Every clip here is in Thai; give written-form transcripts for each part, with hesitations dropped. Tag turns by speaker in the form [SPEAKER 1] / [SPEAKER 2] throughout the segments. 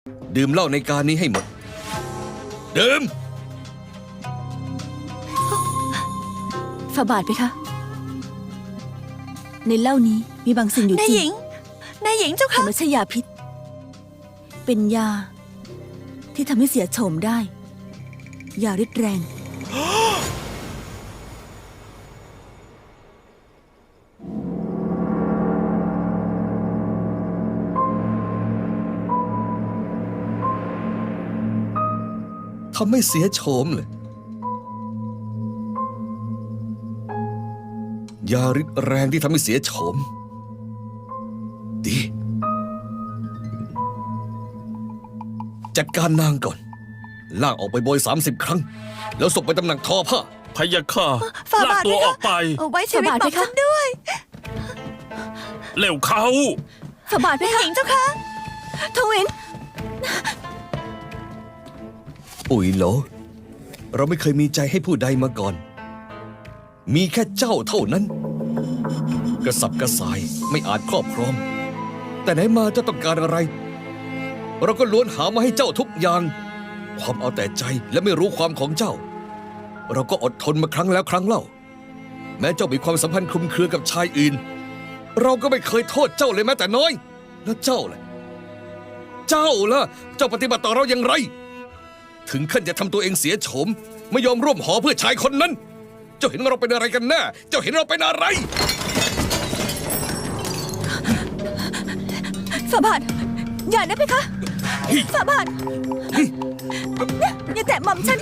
[SPEAKER 1] ดื่มเหล้าในการนี้ให้หมดดื่ม
[SPEAKER 2] ฝ่าบาทไปคะในเหล้านี้มีบางสิ่งอยู่จริง
[SPEAKER 3] นายหญิงเจ้า
[SPEAKER 2] แต่
[SPEAKER 3] ค่ะ
[SPEAKER 2] ไม่ใช่ยาพิษเป็นยาที่ทำให้เสียโฉมได้ยาฤทธิ์แรง
[SPEAKER 1] ทำให้เสียโฉมเลยยาฤทธิ์แรงที่ทำให้เสียโฉมดีจัดการนางก่อนลากออกไปโบย30 ครั้งแล้วส่งไปตำหนักทอผ้า
[SPEAKER 4] พะยะค่ะ
[SPEAKER 3] ฝ่า
[SPEAKER 4] ลาก
[SPEAKER 3] บาท
[SPEAKER 4] ตัวออกไป
[SPEAKER 3] เอาไว้ชีวิตบอกฉันด้วย
[SPEAKER 4] เร็วเข้า
[SPEAKER 2] ฝ่าบาทไป
[SPEAKER 3] นาย
[SPEAKER 2] คะ
[SPEAKER 3] หญิงเจ้าค่ะ
[SPEAKER 2] ทวิน
[SPEAKER 1] อุ๋ยโหลเราไม่เคยมีใจให้ผู้ใดมาก่อนมีแค่เจ้าเท่านั้นกระสับกระส่ายไม่อาจครอบครองแต่ไหนมาเจ้าต้องการอะไรเราก็ล้วนหามาให้เจ้าทุกอย่างความเอาแต่ใจและไม่รู้ความของเจ้าเราก็อดทนมาครั้งแล้วครั้งเล่าแม้เจ้ามีความสัมพันธ์คลุมเครือกับชายอื่นเราก็ไม่เคยโทษเจ้าเลยแม้แต่น้อยแล้วเจ้าล่ะเจ้าปฏิบัติต่อเราอย่างไรถึงขั้นจะทำตัวเองเสียโฉมไม่ยอมร่วมหอเพื่อชายคนนั้นเจ้าเห็นเราเป็นอะไรกันแน่เจ้าเห็นเราเป็นอะไร
[SPEAKER 2] ฝ่าบาทอย่านะเพคะฝ่าบาทอย่าแตะหม่อมฉัน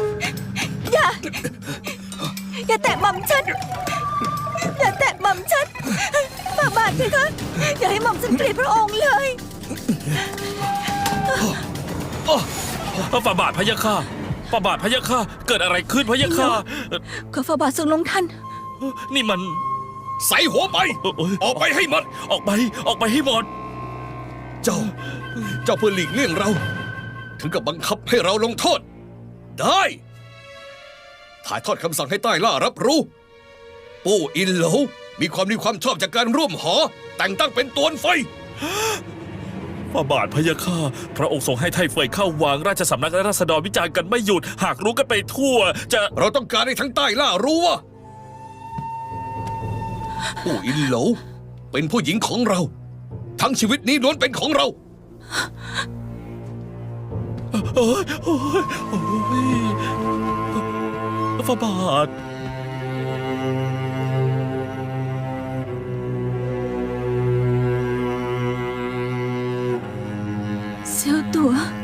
[SPEAKER 2] อย่าแตะหม่อมฉันอย่าแตะหม่อมฉันฝ่าบาทเพคะอย่าให้หม่อมฉันเกลียดพระองค์เลย
[SPEAKER 4] ฝ่าบาทพะยะค่ะฝ่าบาทพะยะค่ะเกิดอะไรขึ้นพะยะค่ะ
[SPEAKER 2] ขอฝ่าบาททรงลงทัน
[SPEAKER 4] นี่มัน
[SPEAKER 1] ใส่หัวไปออกไปให้หมด
[SPEAKER 4] ออกไปให้หมด
[SPEAKER 1] เจ้าเพื่อหลีกเลี่ยงเรา ถึงกับบังคับให้เราลงโทษ ได้ถ่ายทอดคำสั่งให้ใต้ล่ารับรู้ปู่อินโหลมีความชอบจากการร่วมหอแต่งตั้งเป็นตวนไฟ
[SPEAKER 4] ฝ่าบาทพะยะค่ะพระองค์ทรงให้ไทเฟยเข้าวังราชสำนักและราษฎรวิจารณ์กันไม่หยุดหากรู้กันไปทั่วจะ
[SPEAKER 1] เราต้องการให้ทั้งใต้ล่ารู้ว่าปู่อินโหลเป็นผู้หญิงของเรา ทั้งชีวิตนี้ล้วนเป็นของเรา
[SPEAKER 4] ฝ่าบาท
[SPEAKER 2] เสียวตัว